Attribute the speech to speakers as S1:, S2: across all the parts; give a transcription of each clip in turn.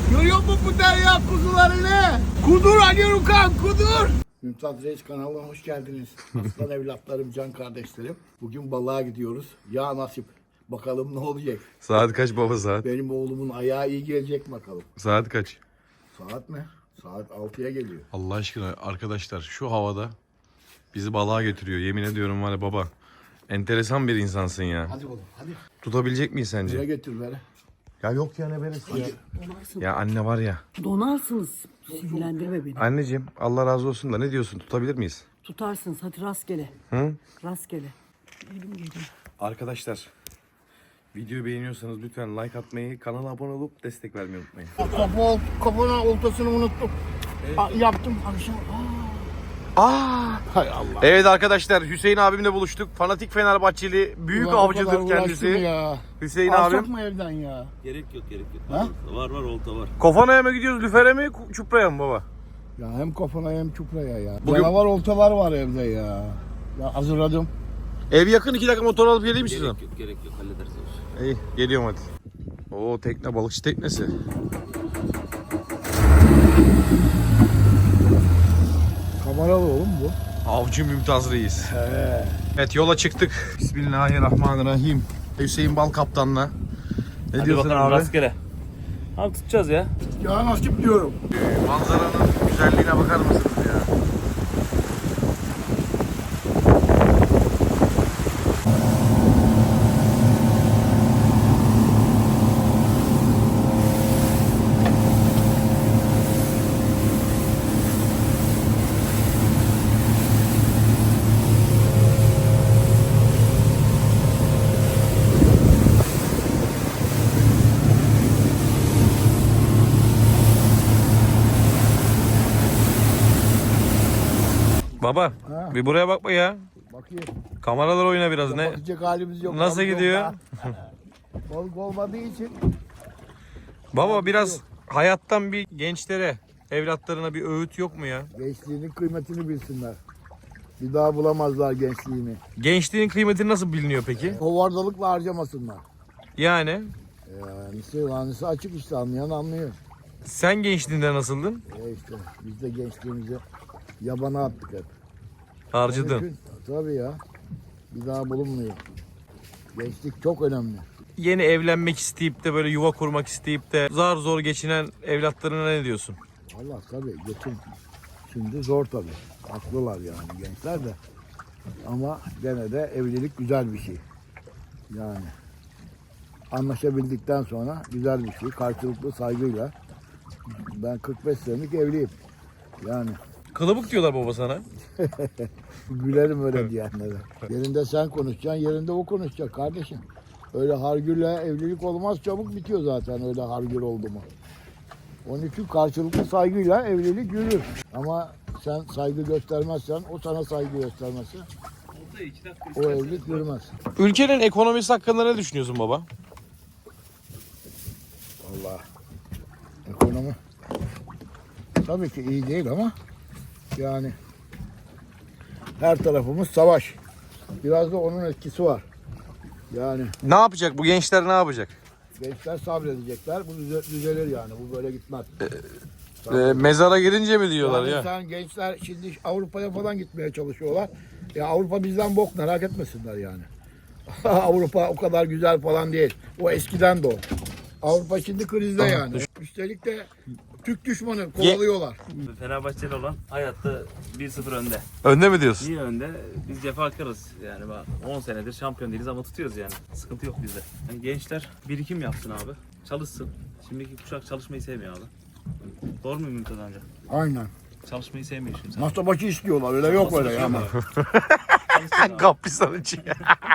S1: Görüyor musun bu derya kuzularını? Kudur Ali Rukan, kudur. Mümtaz Reis kanalına hoş geldiniz. Aslan evlatlarım, can kardeşlerim. Bugün balığa gidiyoruz. Ya nasip. Bakalım ne olacak.
S2: Saat kaç baba saat?
S1: Benim oğlumun ayağı iyi gelecek bakalım.
S2: Saat kaç?
S1: Saat ne? Saat 6'ya geliyor.
S2: Allah aşkına arkadaşlar şu havada bizi balığa götürüyor. Yemin ediyorum var ya baba. Enteresan bir insansın ya.
S1: Hadi oğlum hadi.
S2: Tutabilecek miyiz
S1: Buraya
S2: sence?
S1: getir bere.
S2: Ya yok ya ne beresi ya.
S3: Donarsın.
S2: Ya anne var ya.
S3: Donarsınız. Sinirlendirme beni.
S2: Anneciğim Allah razı olsun da ne diyorsun, tutabilir miyiz?
S3: Tutarsınız. Hadi rastgele.
S2: Hı?
S3: Rastgele. Elim geliyor.
S2: Arkadaşlar videoyu beğeniyorsanız lütfen like atmayı, kanala abone olup destek vermeyi unutmayın.
S1: Kafana oltasını unuttum. Yaptım akşam. Hay Allah.
S2: Evet arkadaşlar Hüseyin abimle buluştuk. Fanatik Fenerbahçeli, büyük
S1: Ulan o kadar
S2: avcıdır
S1: uğraştım
S2: kendisi.
S1: Ya.
S2: Hüseyin
S1: Alsak
S2: abim.
S1: mı evden ya?
S4: Gerek yok.
S1: Ha?
S4: Var olta var.
S2: Kofana'ya mı gidiyoruz, Lüfer'e mi, Çupra'ya mı baba?
S1: Ya hem kafana hem çupraya ya.
S2: Bugün-
S1: Canavar oltalar var evde ya. Ya hazırladım.
S2: Ev yakın, 2 dakika motor alıp geleyim mi size?
S4: Gerek yok hallederiz o işi.
S2: İyi geliyorum hadi. Oo tekne, balıkçı teknesi.
S1: Kameralı oğlum bu.
S2: Avcı Mümtaz Reis. Evet yola çıktık. Bismillahirrahmanirrahim. Hüseyin Bal kaptanla. Ne diyorsun abi?
S4: Rastgele. Abi tutacağız ya.
S1: Ya nasip diyorum.
S2: Manzaranın güzelliğine bakar mısınız ya? Baba
S1: Ha.
S2: bir buraya bakma ya.
S1: Bakayım.
S2: Kameralar oyna biraz ne?
S1: Bakacak halimiz yok.
S2: Nasıl
S1: Balık
S2: gidiyor?
S1: yok daha. Balık olmadığı için.
S2: Baba biraz hayattan bir gençlere, evlatlarına bir öğüt yok mu ya?
S1: Gençliğinin kıymetini bilsinler. Bir daha bulamazlar gençliğini.
S2: Gençliğin kıymeti nasıl biliniyor peki?
S1: Hovardalıkla harcamasınlar.
S2: Yani
S1: Yanisi açık işte, anlayan anlıyor.
S2: sen gençliğinde nasıldın?
S1: İşte biz de gençliğimizi yabana attık hep. Onun
S2: Harcadın.
S1: için, tabii ya. Bir daha bulunmuyor. Gençlik çok önemli.
S2: Yeni evlenmek isteyip de böyle yuva kurmak isteyip de zar zor geçinen evlatlarına ne diyorsun?
S1: Allah tabii geçim şimdi zor tabii. Haklılar yani gençler de. Ama gene de evlilik güzel bir şey. Yani anlaşabildikten sonra güzel bir şey. Karşılıklı saygıyla. Ben 45 senelik evliyim. Yani
S2: Kılıbık diyorlar baba sana.
S1: gülerim öyle diyenlere. Yerinde sen konuşacaksın, yerinde o konuşacak kardeşim. Öyle hargürle evlilik olmaz, çabuk bitiyor zaten öyle hargür oldu mu. Onun için karşılıklı saygıyla evlilik yürür. Ama sen saygı göstermezsen, o sana saygı göstermezse o evlilik yürümez.
S2: Ülkenin ekonomisi hakkında ne düşünüyorsun baba?
S1: Allah. Ekonomi tabii ki iyi değil ama yani her tarafımız savaş. Biraz da onun etkisi var. Yani
S2: Ne yapacak bu gençler, ne yapacak?
S1: gençler sabredecekler. Bu düzelir yani. Bu böyle gitmez.
S2: Mezara girince mi diyorlar
S1: Yani
S2: ya?
S1: sen gençler şimdi Avrupa'ya falan gitmeye çalışıyorlar. Ya Avrupa bizden bok, merak etmesinler yani. Avrupa o kadar güzel falan değil. O eskiden de o. Avrupa şimdi krizde yani. Üstelik de Türk düşmanı kovalıyorlar.
S4: Fenerbahçeli olan hayatta 1-0 önde.
S2: Önde mi diyorsun?
S4: İyi önde. Biz cefakarız. Yani bak 10 senedir şampiyon değiliz ama tutuyoruz yani. Sıkıntı yok bizde. Yani gençler birikim yapsın abi. Çalışsın. Şimdiki kuşak çalışmayı sevmiyor abi. Doğru mu Mümtaz amca?
S1: Aynen.
S4: Çalışmayı sevmiyor şimdi.
S1: Masa başı istiyorlar. Öyle yok öyle ya ama.
S2: Kapistan için.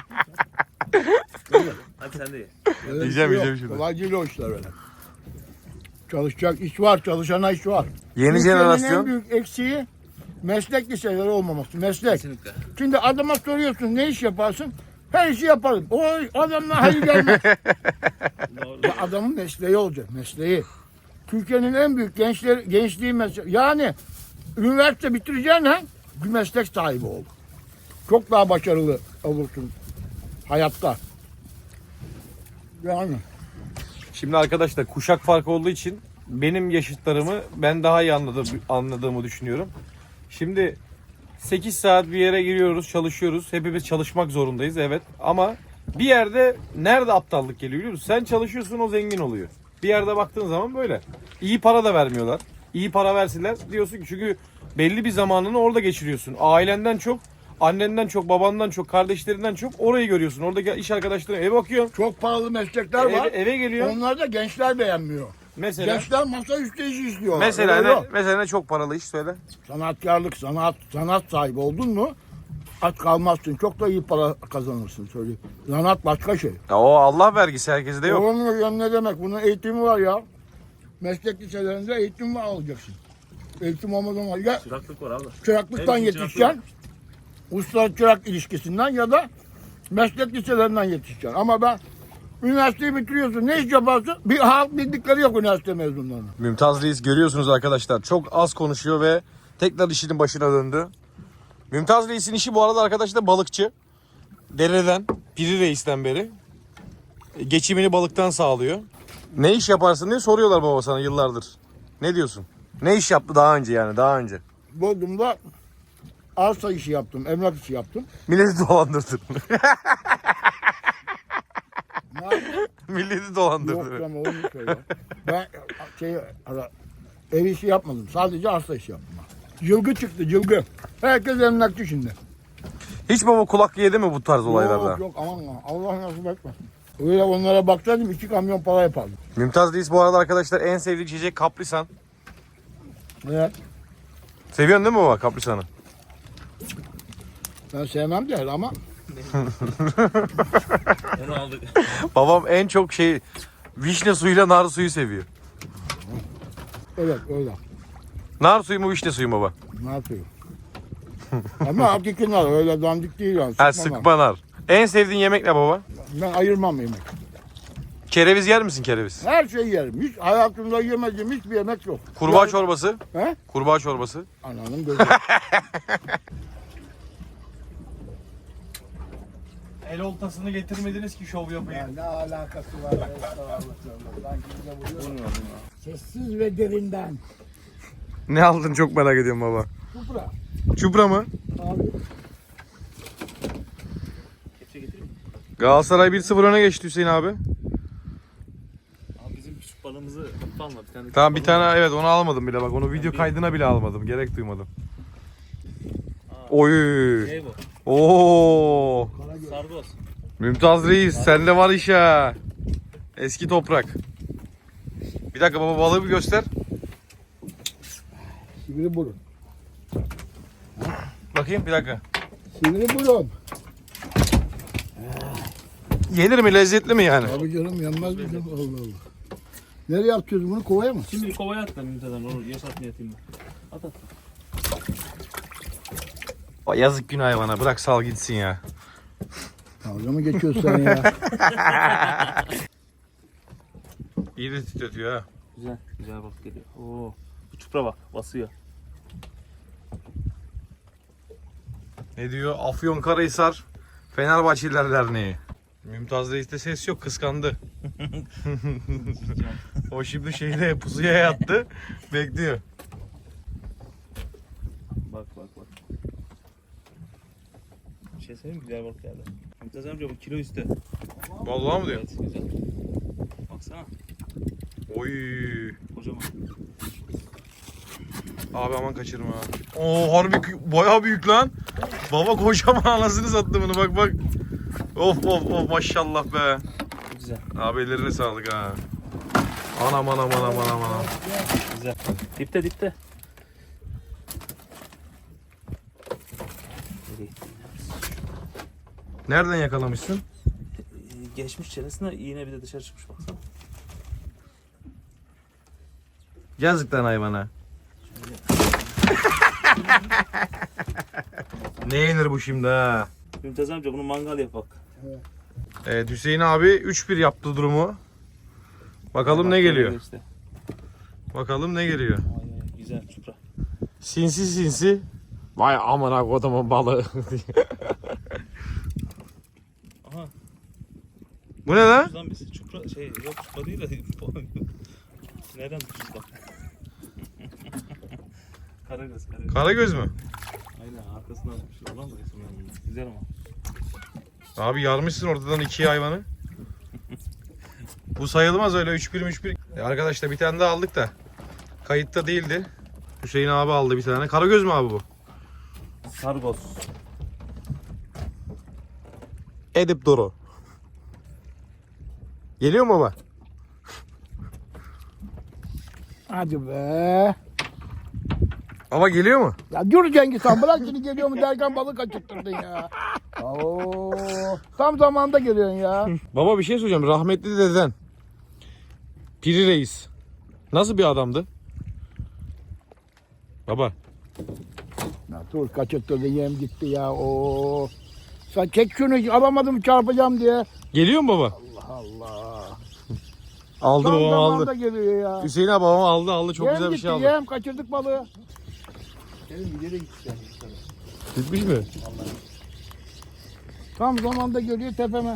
S4: Hadi sen de ye.
S1: Öyle bir
S2: Yiyeceğim,
S1: şey yok.
S2: yiyeceğim şimdi.
S1: Kolay değil o işler öyle. Çalışacak iş var. Çalışana iş var.
S2: Yeni
S1: Türkiye'nin
S2: jenerasyon.
S1: en büyük eksiği meslek liseleri olmaması. Meslek.
S4: Kesinlikle.
S1: Şimdi adama soruyorsun ne iş yaparsın? Her işi yaparım. Oy adamla hayır gelmez.
S4: Doğru.
S1: Ya adamın mesleği olacak. Mesleği. Türkiye'nin en büyük gençliği meslek. Yani üniversite bitireceksin ha, bir meslek sahibi ol. Çok daha başarılı olursun hayatta. Yani
S2: Şimdi arkadaşlar kuşak farkı olduğu için benim yaşıtlarımı ben daha iyi anladığımı düşünüyorum. Şimdi 8 saat bir yere giriyoruz, çalışıyoruz. Hepimiz çalışmak zorundayız, evet. Ama bir yerde nerede aptallık geliyor biliyor musun? Sen çalışıyorsun, o zengin oluyor. Bir yerde baktığın zaman böyle. İyi para da vermiyorlar. İyi para versinler diyorsun ki, çünkü belli bir zamanını orada geçiriyorsun. Ailenden çok, annenden çok, babandan çok, kardeşlerinden çok orayı görüyorsun. Oradaki iş arkadaşlarına eve bakıyorsun.
S1: Çok pahalı meslekler var.
S2: Eve geliyor.
S1: Onlar da gençler beğenmiyor.
S2: Mesela
S1: Gençler masaüstü işi istiyorlar.
S2: mesela
S1: Öyle
S2: ne,
S1: yok.
S2: mesela ne çok paralı iş söyle.
S1: Sanatkarlık, sanat sahibi oldun mu aç kalmazsın. Çok da iyi para kazanırsın söyleyeyim. Sanat başka şey.
S2: Ya o Allah vergisi, herkeste yok.
S1: Onun ne demek? Bunun eğitimi var ya. Meslek liselerinde eğitim var, alacaksın. Eğitim olmadan var. Ya
S4: Çıraklık var abi.
S1: çıraklıktan
S4: Hepsi
S1: yetişeceksin. Usta çırak ilişkisinden ya da meslek liselerinden yetişeceksin. Ama ben üniversiteyi bitiriyorsun. Ne iş yaparsın? Bir halk bildikleri yok üniversite mezunlarının.
S2: Mümtaz Reis görüyorsunuz arkadaşlar. Çok az konuşuyor ve tekrar işinin başına döndü. Mümtaz Reis'in işi bu arada arkadaşlar balıkçı. Dereden, Piri Reis'ten beri. Geçimini balıktan sağlıyor. Ne iş yaparsın diye soruyorlar baba sana yıllardır. Ne diyorsun? Ne iş yaptı daha önce yani, daha önce?
S1: Bodrum'da arsa işi yaptım, emlak işi yaptım.
S2: Milleti dolandırdın.
S1: Ne yaptım?
S2: Milleti
S1: Yok
S2: dolandırdın.
S1: ama onu söyle. Ben ev işi yapmadım. Sadece arsa işi yaptım. Cılgı çıktı, cılgı. Herkes emlakçı şimdi.
S2: Hiç baba kulak yedi mi bu tarz olaylarda?
S1: Yok yok aman aman. Allah nasip etmesin. Öyle onlara baksaydım 2 kamyon para yapardım.
S2: Mümtaz Reis bu arada arkadaşlar en sevdiği içecek kaprisan.
S1: Evet.
S2: Seviyorsun değil mi baba kaprisanı?
S1: Ben sevmem der ama
S4: Onu aldık.
S2: Babam en çok vişne suyuyla nar suyu seviyor.
S1: evet öyle.
S2: Nar suyu mu vişne suyu mu baba?
S1: Ne yapıyor? Ama hakiki nar öyle dandik değil yani.
S2: Ha,
S1: Sıkma nar.
S2: sıkma nar. En sevdiğin yemek ne baba?
S1: Ben ayırmam yemek.
S2: Kereviz yer misin kereviz?
S1: Her şeyi yerim. Hiç hayatımda yemediğim hiçbir yemek yok.
S2: Kurbağa
S1: Yani-
S2: çorbası.
S1: He?
S2: Kurbağa çorbası.
S1: Ananın gözü.
S2: El oltasını getirmediniz ki şov yapayım.
S1: Ne alakası var? Sessiz ve derinden.
S2: Ne aldın çok merak ediyorum baba.
S1: Kupra.
S2: Çupra mı?
S1: Abi.
S4: Kepçe getireyim mi?
S2: Galatasaray 1-0 öne geçti Hüseyin abi.
S4: Abi bizim küçük balığımızı alma bir tane.
S2: Tamam bir
S4: küçük balığımız-
S2: tane, evet onu almadım bile bak. Onu video kaydına bile almadım. Gerek duymadım. Oy.
S4: Şey bu.
S2: Oo.
S4: Sargoz.
S2: Mümtaz Reis sende var iş ha. Eski toprak. Bir dakika baba balığı bir göster.
S1: Sivri burun.
S2: Bakayım bir dakika.
S1: Sivri burun.
S2: Yenir mi, lezzetli mi yani?
S1: Abi canım yanmaz mı canım? Allah Allah. Nereye atıyoruz bunu? Kovaya mı?
S4: Şimdi bir kovaya at da Mümtaz'dan onu yaşatmaya atayım ben. At at.
S2: Yazık günah hayvana, bırak sal gitsin ya.
S1: Dalga mı geçiyorsun sen ya?
S2: İyi de titretiyor ha.
S4: Güzel. Güzel balık geliyor. Oo. Bu çupra bak basıyor.
S2: Ne diyor? Afyonkarahisar Fenerbahçeliler Derneği. Mümtaz Reis'te ses yok, kıskandı. O şimdi pusuya yattı, bekliyor.
S4: Bak bak bak. Bir şey söyleyeyim mi? Güzel balık geldi. Mümtaz amca bu kilo üstü.
S2: Vallahi mı diyor?
S4: Evet güzel. Baksana.
S2: Oy.
S4: Kocaman.
S2: Abi aman kaçırma ha. Oo harbi bayağı büyük lan. Baba kocaman, anasını sattı bunu, bak bak. Of of of maşallah be.
S4: Çok güzel.
S2: Abi ellerine sağlık ha. Anam anam anam anam anam.
S4: Güzel. Dipte dipte. Nereye gittin ya?
S2: Nereden yakalamışsın?
S4: Geçmiş çenesine iğne bir de dışarı çıkmış baksana.
S2: Yazık lan hayvana. Ne yenir bu şimdi ha?
S4: Mümtaz amca bunu mangal yap bak.
S2: Evet Hüseyin abi 3-1 yaptı durumu. Bakalım ne geliyor.
S4: İşte.
S2: Bakalım ne geliyor.
S4: Ay, ay, güzel çupra.
S2: Sinsi sinsi. Vay aman ha kodaman balığı.
S4: Aha.
S2: Bu ne lan?
S4: Şuradan bir çupra yok çupra değil de Nereden tutmuş bak. Karagöz, karagöz.
S2: Karagöz mü?
S4: Aynen arkasından tutmuş. Olan da resim yani. Güzel ama.
S2: Abi yarmışsın ortadan ikiye hayvanı. Bu sayılmaz öyle 3-1. Arkadaşlar bir tane daha aldık da kayıtta değildi. Hüseyin abi aldı bir tane. Karagöz mü abi bu?
S4: Sargos.
S2: Edip Doro. Geliyor mu baba?
S1: Hadi be.
S2: Baba geliyor mu?
S1: Ya dur Cengiz Han, bırak şimdi geliyor mu derken balık kaçırttırdın ya. Oo, tam zamanda geliyorsun ya.
S2: Baba bir şey söyleyeceğim. Rahmetli deden Piri Reis nasıl bir adamdı? Baba.
S1: Ya dur, kaçırttırdın, yem gitti ya. Oo. Sen çek şunu, alamadım çarpacağım diye.
S2: Geliyor mu baba?
S1: Allah Allah.
S2: Aldı
S1: Tam
S2: babam
S1: zamanda
S2: aldı.
S1: geliyor ya.
S2: Hüseyin abi babam aldı çok
S1: Yem
S2: güzel bir
S1: gitti,
S2: şey aldı.
S1: yem kaçırdık balığı.
S2: Gitmiş mi?
S1: Tam zamanda geliyor tepeme.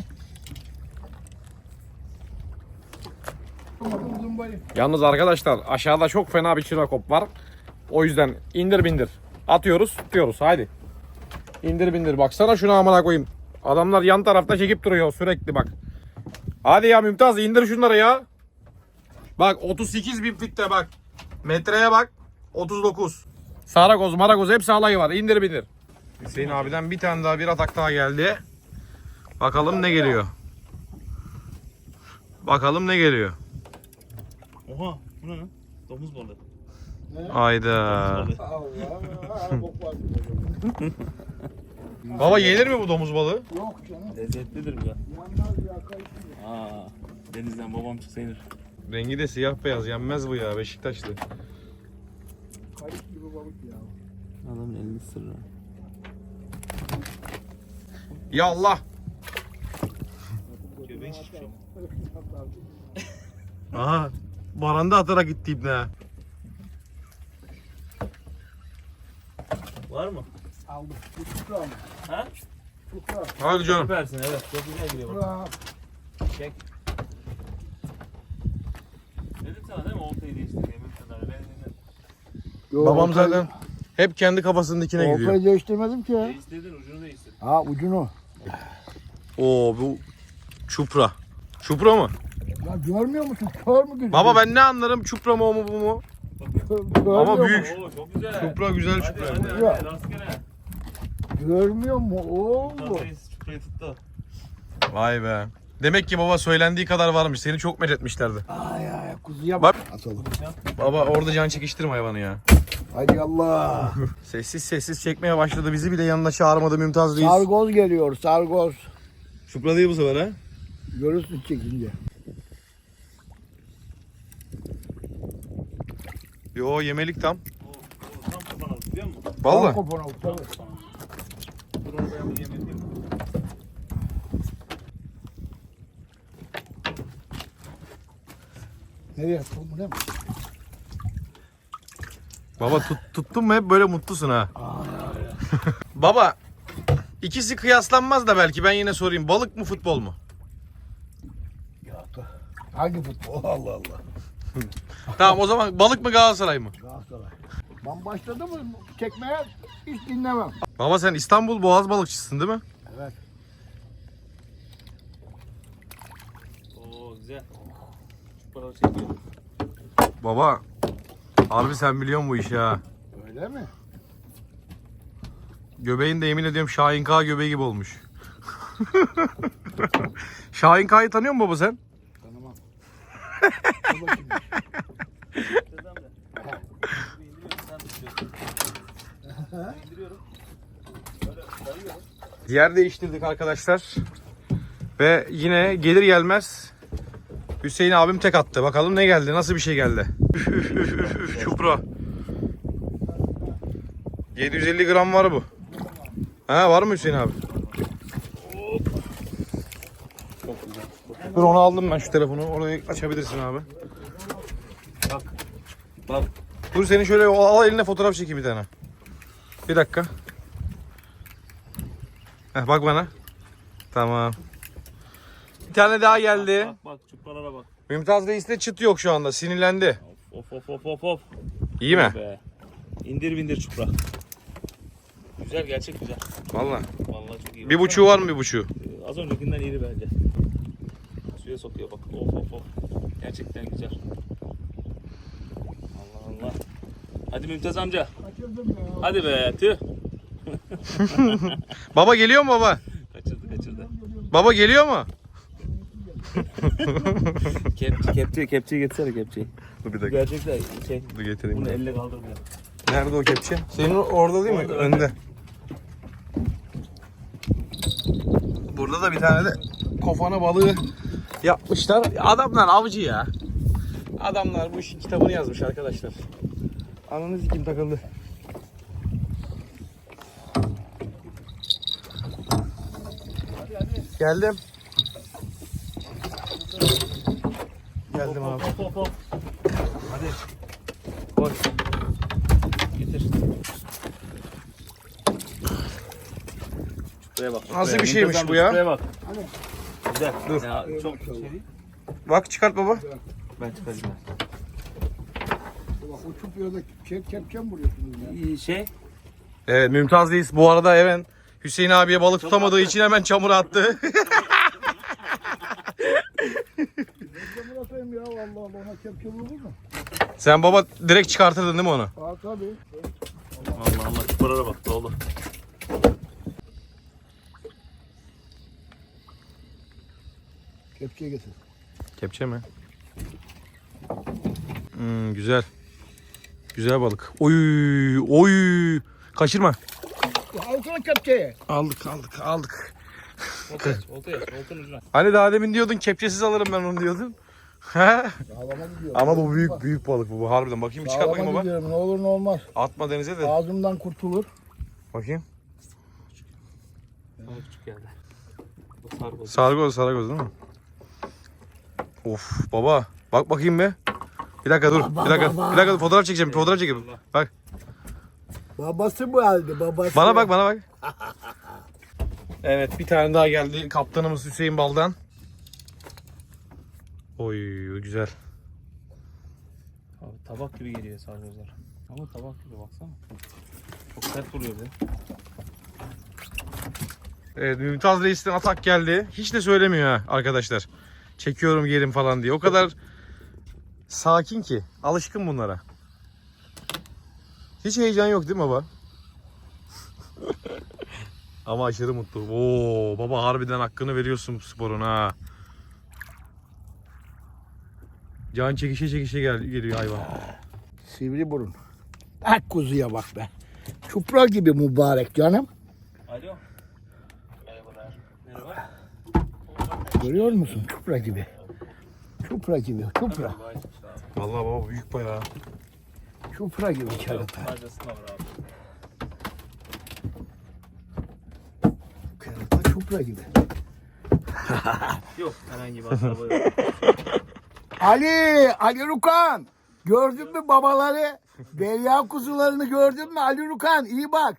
S1: Alamadım zımbayı.
S2: Yalnız arkadaşlar aşağıda çok fena bir çinakop var. O yüzden indir bindir. Atıyoruz tutuyoruz haydi. İndir bindir baksana şuna amına koyayım. Adamlar yan tarafta çekip duruyor sürekli bak. Hadi ya Mümtaz indir şunları ya. Bak 38 bin fitte bak. Metreye bak 39. Saragoz maragoz hepsi alayı var indir bindir. Hüseyin abiden bir tane daha bir atak daha geldi. Bakalım ne geliyor. Bakalım ne geliyor.
S4: Oha bu ne lan? Domuz balığı.
S2: Hayda.
S4: Balığı.
S1: Allah. Bok var.
S2: Baba yenir mi bu domuz balığı?
S1: Yok canım.
S4: Lezzetlidir bu ya.
S1: Yanmaz ya, kayıp.
S4: Aa, denizden babam çıksa yenir.
S2: Rengi de siyah beyaz yenmez bu ya Beşiktaşlı.
S1: Kayıp gibi balık ya.
S4: Adamın elini sırrı.
S2: Ya Allah.
S4: Göbeği şişmiş ama.
S2: Aha. Baranda atarak gitti ibne.
S4: Var mı?
S1: Aldım. Bu çukra mı?
S4: Ha?
S1: Çukra.
S2: Hadi canım.
S4: Süpersin evet. Çok güzel geliyor bak.
S1: Çukra.
S4: Çek. Dedim sana değil mi? Oltayı değiştir diye. Ben dinledim.
S1: Yo,
S2: Babam
S1: oltayı-
S2: zaten hep kendi kafasındakine gidiyor.
S1: Oltayı değiştirmedim ki.
S4: Değiştirdin ucunu değiştir.
S1: Ha, ucunu.
S2: Oo bu çupra. Çupra mı?
S1: Ya görmüyor musun? Kör mü gözüküyor?
S2: Baba ben ne anlarım çupra mı o mu bu mu?
S1: Görmüyor
S2: Ama
S1: mu?
S2: büyük.
S4: Oo çok güzel.
S2: Çupra güzel
S4: Hadi
S2: çupra.
S4: hadi
S1: Ya.
S4: hadi rastgele.
S1: Görmüyor mu oğlum?
S4: Çuprayı tuttu.
S2: Vay be. Demek ki baba söylendiği kadar varmış. Seni çok methetmişlerdi.
S1: Ay ay, kuzuya
S2: Bak.
S1: bak. Atalım.
S2: Baba orada can çekiştirme hayvanı ya.
S1: Hadi Allah.
S2: Sessiz sessiz çekmeye başladı. Bizi bile yanına çağırmadı Mümtaz Reis.
S1: Sargoz geliyor, sargoz.
S2: Çupra değil bu sefer ha.
S1: Görürsün çekince.
S2: Yo yemelik tam.
S4: O tam kapan aldı biliyor musun?
S2: Vallahi.
S1: Tam kopana, tabii.
S4: Dur onu ben bir yemek yiyeyim.
S1: Nereye attın bu, ne mi?
S2: Baba tuttun mu hep böyle mutlusun ha. Baba ikisi kıyaslanmaz da belki ben yine sorayım. Balık mı futbol mu?
S1: Ya da. Hangi futbol? Allah Allah.
S2: Tamam o zaman balık mı Galatasaray mı?
S1: Galatasaray. Ben başladım mı çekmeye hiç dinlemem.
S2: Baba sen İstanbul Boğaz balıkçısın değil mi?
S1: Evet.
S4: Oo güzel. Çupraları çekiyor.
S2: Baba harbi sen biliyorsun bu işi ha.
S1: Öyle mi?
S2: Göbeğin de yemin ediyorum Şahin K göbeği gibi olmuş. Şahin K'yı tanıyor musun baba sen?
S1: Tanımam. Dur bakayım.
S4: Dedem de. Bir indiriyorum sen tutuyorsun. İndiriyorum. Böyle dayıyorum.
S2: Yer değiştirdik arkadaşlar. Ve yine gelir gelmez Hüseyin abim tek attı. Bakalım ne geldi? Nasıl bir şey geldi? Çupra. 750 gram var bu. Ha var mı Hüseyin abi?
S4: Çok güzel.
S2: Dur onu aldım ben şu telefonu. Orayı açabilirsin abi.
S4: Bak. Bak.
S2: Dur seni şöyle al eline fotoğraf çekeyim bir tane. Bir dakika. Heh, bak bana. Tamam. Bir tane daha geldi.
S4: Bak çupralara bak.
S2: Mümtaz Reis'te çıt yok şu anda. Sinirlendi.
S4: Of.
S2: İyi mi?
S4: Be. İndir bindir çupra. Güzel, gerçek güzel.
S2: Vallahi.
S4: Vallahi çok iyi.
S2: Bir buçuğu var mı bir buçuğu?
S4: Az öncekinden iri bence. Suya sokuyor bak. Of. Gerçekten güzel. Allah. Hadi Mümtaz amca.
S1: Kaçırdım ya.
S4: Hadi be tüh.
S2: Baba geliyor mu baba?
S4: Kaçırdı.
S2: Baba geliyor mu?
S4: Kepçeyi getirsene kepçeyi.
S2: Dur bir
S4: Gerçekten şey.
S2: Dur getireyim.
S4: Bunu elle kaldırmıyor.
S2: Nerede o kepçe? Senin orada değil mi?
S4: Orada.
S2: Önde. Burada da bir tane de kofana balığı yapmışlar. Adamlar avcı ya. Adamlar bu işin kitabını yazmış arkadaşlar. Ananız kim takıldı? Geldim. Geldim abi.
S4: Hop. Hadi. Koy. Getir. Şuraya bak.
S2: Nasıl
S4: şuraya.
S2: bir şeymiş
S4: Mümtaz
S2: bu
S4: amca,
S2: ya?
S4: Şuraya bak. Güzel.
S2: Dur.
S4: Ya, çok şey değil.
S2: Bak çıkart baba.
S4: Ben çıkarayım.
S1: Bak o çupuya da kepçe mi vuruyorsunuz ya?
S4: Şey.
S2: Evet Mümtaz Reis bu arada hemen Hüseyin abiye balık tutamadığı için hemen çamura attı.
S1: Kepçe atayım ya vallahi ona kepçe vurur mu?
S2: Sen baba direkt çıkartırdın değil mi onu?
S1: Aa tabii.
S4: Allah çukurlara bak dolu.
S1: Kepçeye getir.
S2: Kepçe mi? Güzel. Güzel balık. Oy. Kaçırma.
S1: Alsana kepçeye.
S2: Aldık.
S4: Oltanın ucuna.
S2: Hani daha demin diyordun kepçesiz alırım ben onu diyordun. Ha?
S1: Dağlama gidiyorum.
S2: Ama bu büyük balık bu. Harbiden bakayım bir çıkart bakayım
S1: Dağlama
S2: baba.
S1: gidiyorum ne olur ne olmaz.
S2: Atma denize de.
S1: Ağzımdan kurtulur.
S2: Bakayım.
S4: Bana küçük geldi. Bu
S2: Sargoz değil mi? Of baba. Bak bakayım be. Bir dakika dur. Bir dakika dur. Fotoğraf çekeceğim. Bak.
S1: Babası bu halde babası.
S2: Bana bak. Evet bir tane daha geldi. Kaptanımız Hüseyin Bal'dan. Oy güzel.
S4: Abi tabak gibi geliyor sargozlar. Ama tabak gibi baksana. Çok sert vuruyor bir de.
S2: Evet Mümtaz Reis'ten atak geldi. Hiç de söylemiyor ha arkadaşlar. Çekiyorum yerim falan diye. O kadar sakin ki. Alışkın bunlara. Hiç heyecan yok değil mi baba? Ama aşırı mutlu. Oo baba harbiden hakkını veriyorsun sporun ha. Can çekişe geliyor hayvan.
S1: Sivri burun. Ak kuzuya bak be. Çupra gibi mübarek canım.
S4: Alo. Merhabalar. Merhaba.
S1: Görüyor musun? Çupra gibi. Çupra.
S2: Vallahi baba büyük bayağı.
S1: Çupra gibi kerata.
S4: Fazlasına var abi.
S1: Kerata çupra gibi.
S4: Yok herhangi bir hasar yok.
S1: Ali Rukan. Gördün mü babaları? Derya kuzularını gördün mü Ali Rukan? İyi bak.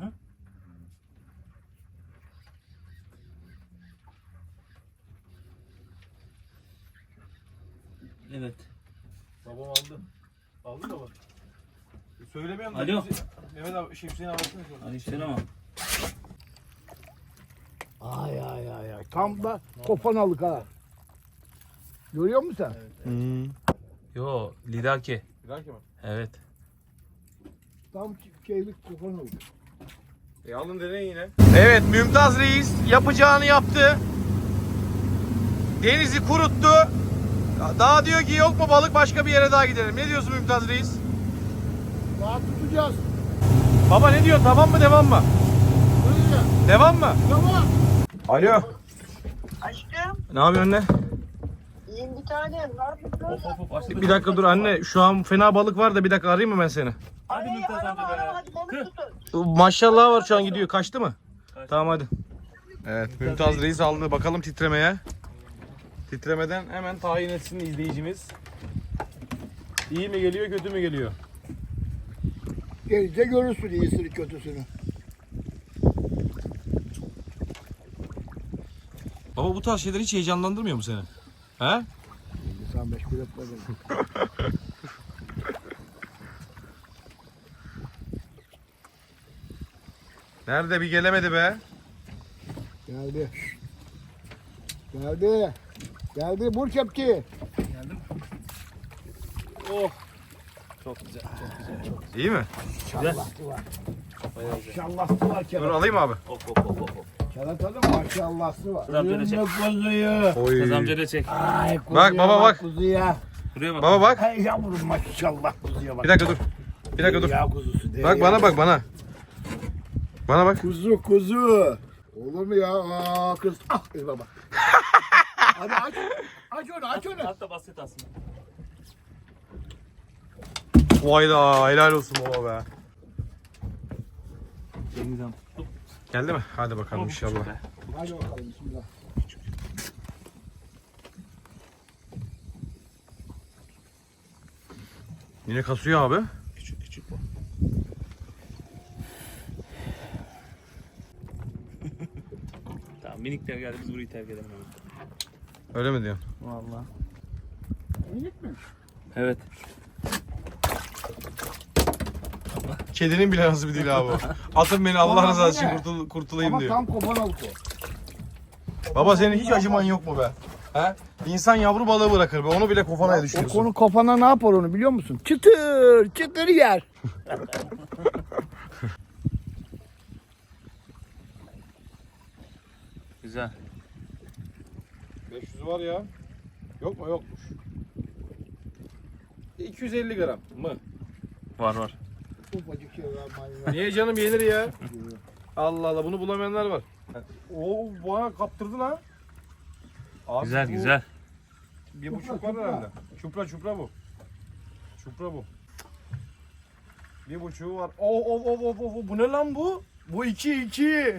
S4: Evet.
S2: Babam aldı. Aldı baba. Söylemiyorum da.
S4: Alo.
S2: Mehmet abi Hüseyin abi.
S4: Aleykümselam.
S1: Ay. Tam da kopanalık ha. Görüyor musun sen?
S4: Yo lidaki.
S2: Bir dahaki mi?
S4: Evet.
S1: Tam şeylik kopanalık.
S2: Alın deneyin yine. Evet Mümtaz Reis yapacağını yaptı. Denizi kuruttu. Daha diyor ki yok mu balık başka bir yere daha gidelim. Ne diyorsun Mümtaz Reis?
S1: Daha tutacağız.
S2: Baba ne diyor tamam mı devam mı?
S1: Böyle.
S2: Devam mı?
S1: Tamam.
S2: Alo.
S5: Aşkım,
S2: Ne yapıyorsun anne?
S5: iyiyim bir tane. Var mısın?
S4: Hop açtı.
S2: Bir dakika dur anne şu an fena balık var da bir dakika arayayım mı ben seni?
S4: Hadi Mümtaz amca be.
S5: Hadi balık tutun.
S2: Maşallah var şu an gidiyor kaçtı mı? Tamam hadi. Evet Mümtaz Reis aldı bakalım titremeye. Titremeden hemen tayin etsin izleyicimiz. İyi mi geliyor kötü mü geliyor?
S1: Gelince görürsün iyisini kötüsünü.
S2: Baba bu tarz şeyler hiç heyecanlandırmıyor mu seni? He?
S1: Sen meşgul etme beni.
S2: Nerede bir gelemedi be.
S1: Geldi. Geldi. Geldi. Vur kepçeyi.
S4: Oh. Çok güzel, çok güzel, çok güzel.
S2: İyi mi?
S1: Maşallahı var.
S4: Bayağı güzel.
S1: Maşallahı var
S2: Dur
S1: Kerat.
S2: alayım abi.
S4: Hop hop hop hop.
S1: Kerat'ın maşallahı var.
S4: Tamam, böyle çek.
S1: Kuzuyu.
S2: Oy.
S4: Kız amca da çek.
S1: Ay kuzuya
S2: Bak baba bak.
S1: Kuzuya.
S4: Buraya bak.
S2: Baba bak.
S1: Ay yavrum maşallah kuzuya bak.
S2: Bir dakika dur. Bir dakika dur.
S1: Ya kuzusu.
S2: Bak bana bak bana. Bana bak.
S1: Kuzu kuzu. Olur mu ya? Aa kız. Ah kız baba. Hadi aç. Aç onu aç onu.
S4: Hatta basit aslında.
S2: Vay da helal olsun baba be.
S4: Elimizden tuttuk.
S2: Geldi mi? Hadi bakalım inşallah.
S1: Hadi bakalım bismillah.
S2: Yine kasıyor abi.
S4: Küçük küçük bu. Tamam minikler geldi biz burayı terk edelim hemen.
S2: Öyle mi diyorsun?
S4: Vallahi.
S1: Minik mi?
S4: Evet.
S2: Kedinin bile nasıl bir dil abi o. Atın beni Allah
S1: Ama
S2: rızası için
S1: bu ne?
S2: kurtulayım
S1: Ama
S2: diyor.
S1: tam kopan alık o.
S2: Baba senin hiç acıman yok mu be? He? İnsan yavru balığı bırakır be. Onu bile kofanaya
S1: O
S2: düşürüyorsun.
S1: konu kafana ne yapar onu biliyor musun? Çıtır çıtır yer.
S4: Güzel.
S2: 500 var ya. Yok mu? Yokmuş. 250 gram mı?
S4: Var var.
S1: Ufacık şey var manyak.
S2: Niye canım yenir ya? Allah Allah bunu bulamayanlar var. Oo bana kaptırdı lan. Abi
S4: Güzel
S2: bu
S4: güzel.
S2: 1,5 var herhalde. Çupra bu. Çupra bu. 1,5 var. Oh, bu ne lan bu? Bu 2.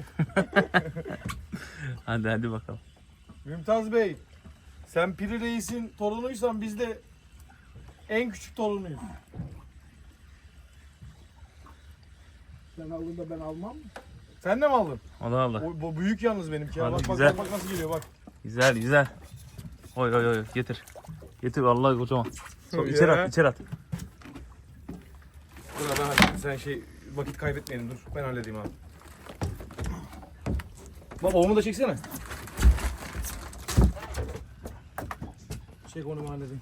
S4: Hadi bakalım.
S2: Mümtaz Bey. Sen Piri Reis'in torunuysan biz de en küçük torunuyuz.
S1: Sen aldın da ben almam mı?
S2: Sen de mi aldın?
S4: O da aldı.
S2: O, bu büyük yalnız benimki. Ya.
S4: Hadi,
S2: Bak,
S4: güzel.
S2: bak nasıl geliyor bak.
S4: Güzel güzel. Oy getir. Getir vallahi kocaman.
S2: Ya.
S4: İçeri at içeri at.
S2: Dur ben halledeyim. Sen vakit kaybetmeyelim dur. Ben halledeyim abi. Baba onu da çeksene. Çek onu halledeyim.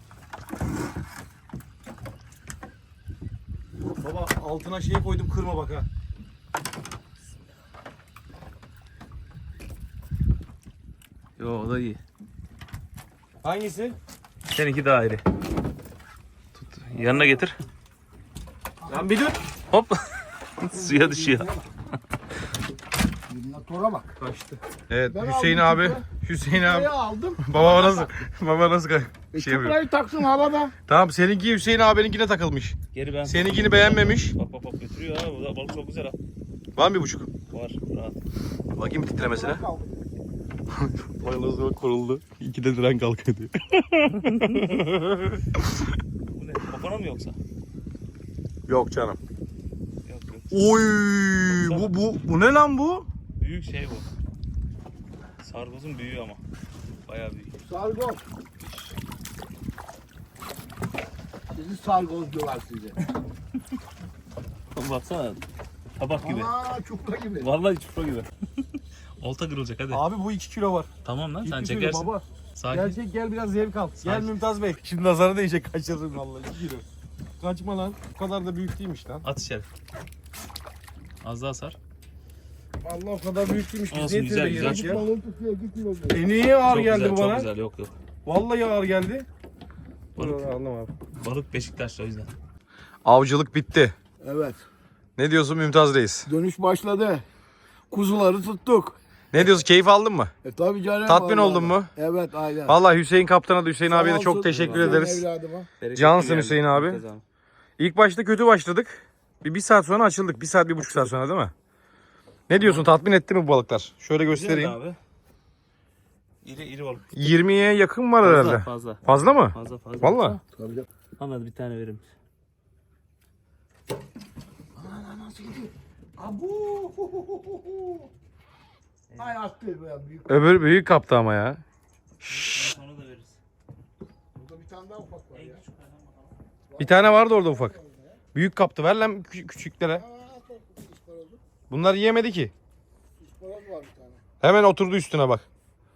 S2: Baba altına şey koydum kırma bak ha.
S4: Yo o da iyi.
S2: Hangisi?
S4: Seninki daha iri. Tut. Yanına getir.
S2: Lan bir dur.
S4: Hop. Suya düşüyor.
S1: Motora bak.
S2: Kaçtı. Evet
S1: Ben
S2: Hüseyin
S1: aldım
S2: abi.
S1: Çupra.
S2: Hüseyin abi.
S1: Çuprayı aldım.
S2: Baba nasıl şey yapıyor?
S1: Çuprayı taksın havada.
S2: Tamam seninki Hüseyin abininkine takılmış.
S4: Geri ben.
S2: Seninkini beğenmemiş.
S4: Bak götürüyor ha. Bu da balık çok güzel ha.
S2: Var mı 1,5?
S4: Var rahat.
S2: Bakayım bir titremesine. Vay nasıl koruldu. 2'de diren kalkıyor diyor.
S4: Bu ne? Kafana mı yoksa?
S2: Yok canım.
S4: Yok.
S2: Oy bu ne lan bu?
S4: Büyük şey bu. Sargozun büyüğü ama. Bayağı büyük.
S1: Sargoz. Sizi sargoz diyorlar size.
S4: Baksana. Tabak gibi.
S1: Aa çupra gibi.
S4: Vallahi çupra gibi. Olta kırılacak hadi.
S2: Abi bu 2 kilo var.
S4: Tamam lan sen
S2: 2 kilo
S4: çekersin.
S2: baba.
S4: Sakin.
S2: Gerçek gel biraz zevk al. Gel
S4: Sakin.
S2: Mümtaz Bey. Şimdi nazara değecek kaçırırım vallahi 2 kilo. Kaçma lan. Bu kadar da büyük değilmiş lan.
S4: At içeri. Az daha sar.
S2: Allah o kadar büyük değilmiş. Biz
S4: Olsun,
S2: niye
S4: güzel,
S2: tebe
S4: güzel.
S2: yedik ya?
S1: Balığı tutuyor gidiyor.
S2: Niye ağır
S4: Çok
S2: geldi
S4: güzel,
S2: bu
S4: çok
S2: bana?
S4: güzel. Yok.
S2: Vallahi ağır geldi.
S4: Balık.
S2: Aldım abi.
S4: Balık Beşiktaş'ta o yüzden.
S2: Avcılık bitti.
S1: Evet.
S2: Ne diyorsun Mümtaz Reis?
S1: Dönüş başladı. Kuzuları tuttuk.
S2: Ne diyorsun? Keyif aldın mı?
S1: Tabii canım.
S2: Tatmin
S1: vallahi.
S2: oldun mu?
S1: Evet aynen.
S2: Vallahi Hüseyin kaptana da Hüseyin
S1: Sağ
S2: abiye de
S1: olsun.
S2: çok teşekkür
S1: Hüseyin
S2: ederiz.
S1: evladıma.
S2: Cansın Hüseyin abi. İlk başta kötü başladık. Bir saat sonra açıldık. 1 saat 1,5 saat sonra değil mi? Ne diyorsun? Tatmin etti mi bu balıklar? Şöyle göstereyim.
S4: Abi. İri balık.
S2: 20'ye yakın var herhalde.
S4: Fazla.
S2: Fazla mı?
S4: Fazla.
S2: Vallahi.
S1: Tabii canım.
S4: Anladım bir tane verir misin?
S1: Abu. Ay attı be büyük.
S2: Öbür büyük kaptı ama ya.
S4: Sonra da veririz.
S1: Burada bir tane daha ufak var ya.
S2: Bir tane vardı orada ufak. Büyük kaptı. Ver lan küçüklere.
S1: Aa, çok ısparozu.
S2: Bunlar yiyemedi ki.
S1: İspanoz var bir tane.
S2: Hemen oturdu üstüne bak.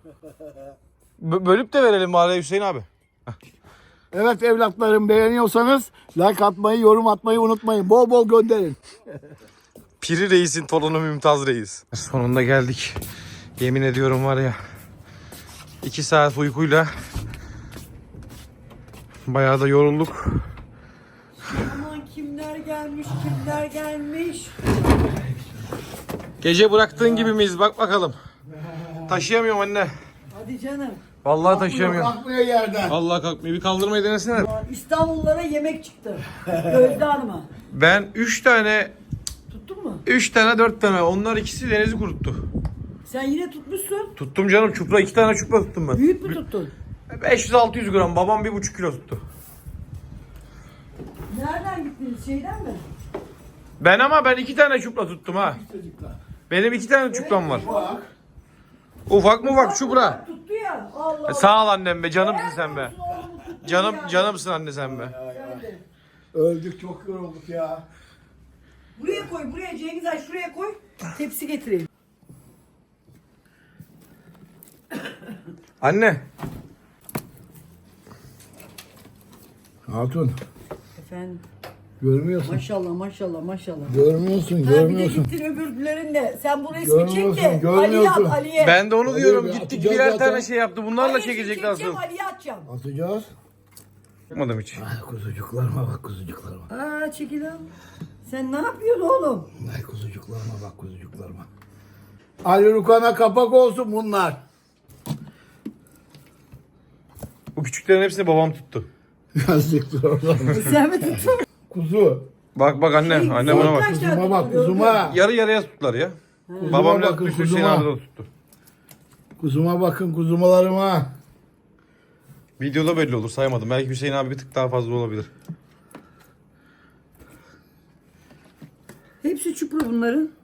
S2: Bölüp de verelim bari Hüseyin abi.
S1: Evet evlatlarım, beğeniyorsanız like atmayı, yorum atmayı unutmayın. Bol bol gönderin.
S2: Piri Reis'in torunu Mümtaz Reis. Sonunda geldik. Yemin ediyorum var ya. 2 saat uykuyla bayağı da yorulduk.
S3: Aman kimler gelmiş, kimler gelmiş.
S2: Gece bıraktığın gibi miyiz? Bak bakalım. Taşıyamıyorum anne.
S3: Hadi canım.
S2: Vallahi taşıyamıyorum.
S1: Kalkmıyor yerden.
S2: Vallahi kalkmıyor. Bir kaldırmayı denesene.
S3: Aa, İstanbullulara yemek çıktı. Gözde Hanım'a.
S2: Ben 3 tane,
S3: Tuttun mu?
S2: 4 tane. Onlar ikisi denizi kuruttu.
S3: Sen yine tutmuşsun.
S2: Tuttum canım çupra. 2 tane çupra tuttum ben.
S3: Büyük mü tuttun?
S2: 500-600 gram. Babam 1,5 kilo tuttu.
S3: Nereden gittiniz? Şeyden mi?
S2: Ben 2 tane çupra tuttum ha. Benim 2 tane çupram var. Ufak mı ufak çupra?
S3: Tuttu ya. Allah.
S2: Sağ ol annem be. Canımsın sen be. Canımsın anne sen be.
S1: Öldük, çok yorulduk ya.
S3: Buraya koy, buraya Cengiz Ay şuraya koy. Tepsi getireyim.
S2: Anne.
S1: Hatun,
S3: Efendim.
S1: görmüyorsun.
S3: Maşallah maşallah maşallah.
S1: Görmüyorsun,
S3: Ha, bir de
S1: görmüyorsun.
S3: gittin öbürlerinde. Sen bu resmi
S1: Görmüyorsun,
S3: çek de Ali'ye
S1: görmüyorsun.
S3: at Ali'ye.
S2: Ben de onu
S1: Hadi
S2: diyorum.
S1: be,
S2: Gittik
S1: atacağız
S2: birer
S1: zaten.
S2: tane şey yaptı. Bunlarla
S3: Ali'ye
S2: çekecek
S3: çekeceğim,
S2: nasıl?
S3: Ali'ye atacağım.
S1: Atacağız.
S2: Yapmadım hiç.
S1: Ay kuzucuklarıma bak, kuzucuklarıma.
S3: Aa çekil al. Sen ne yapıyorsun oğlum?
S1: Ay kuzucuklarıma bak, kuzucuklarıma. Ali Rukan'a kapak olsun bunlar.
S2: Bu küçüklerin hepsini babam tuttu.
S1: Yazıktır oradan.
S3: Sen mi tuttun?
S1: Kuzu.
S2: Bak anne. Anne bana bak.
S3: Kaç tane
S1: Kuzuma bak,
S3: tuttun,
S1: kuzuma.
S2: Yarı yarıya tuttular ya.
S1: Kuzuma
S2: Babam
S1: bakın,
S2: tuttu, Hüseyin
S1: kuzuma.
S2: abi de tuttu.
S1: Kuzuma bakın, kuzumalarıma.
S2: Videoda belli olur saymadım. Belki Hüseyin abi bir tık daha fazla olabilir.
S3: Hepsi çupra bunların.